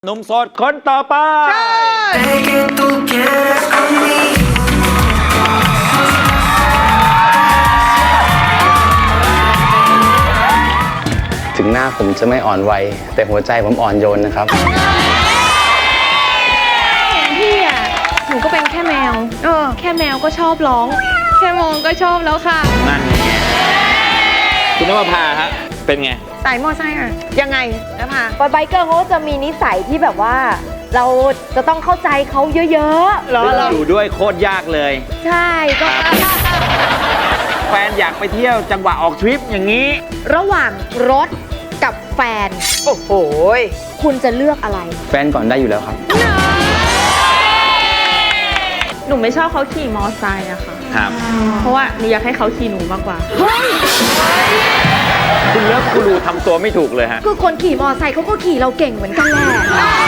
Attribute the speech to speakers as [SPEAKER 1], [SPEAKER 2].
[SPEAKER 1] หนุ่มโสดคนต่อไป
[SPEAKER 2] ถึงหน้าผมจะไม่อ่อนวัยแต่หัวใจผมอ่อนโยนนะครับ
[SPEAKER 3] พี่อ่ะหนูก็เป็นแค่แมวแค่แมวก็ชอบร้อง แค่มองก็ชอบแล้วค่ะ
[SPEAKER 1] นั่นไงคุณนภพาฮะเป็นไง
[SPEAKER 3] สายมอไซค์อ่ะยังไงนะพา
[SPEAKER 4] ไบเกอร์เขาจะมีนิสัยที่แบบว่า เราจะต้องเข้าใจเขาเยอะ
[SPEAKER 3] เหรอ
[SPEAKER 1] อยู่ด้วยโคตรยากเลย
[SPEAKER 4] ๆ ใช่ก็
[SPEAKER 1] แฟนอยากไปเที่ยวจังหวะออกทริปอย่างนี้
[SPEAKER 4] ระหว่างรถกับแฟน
[SPEAKER 3] โอ้โห
[SPEAKER 4] คุณจะเลือกอะไร
[SPEAKER 2] แฟนก่อนได้อยู่แล้วครับ
[SPEAKER 3] หนูไม่ชอบเขาขี่มอไซค์อะค่ะ
[SPEAKER 1] ครับ
[SPEAKER 3] เพราะว่าหนูอยากให้เขาขี่หนูมากกว่า
[SPEAKER 1] คุณเลิฟกูรูทำตัวไม่ถูกเลยฮะ
[SPEAKER 4] คือคนขี่มอไซค์เขาก็ขี่เราเก่งเหมือนกันแหละ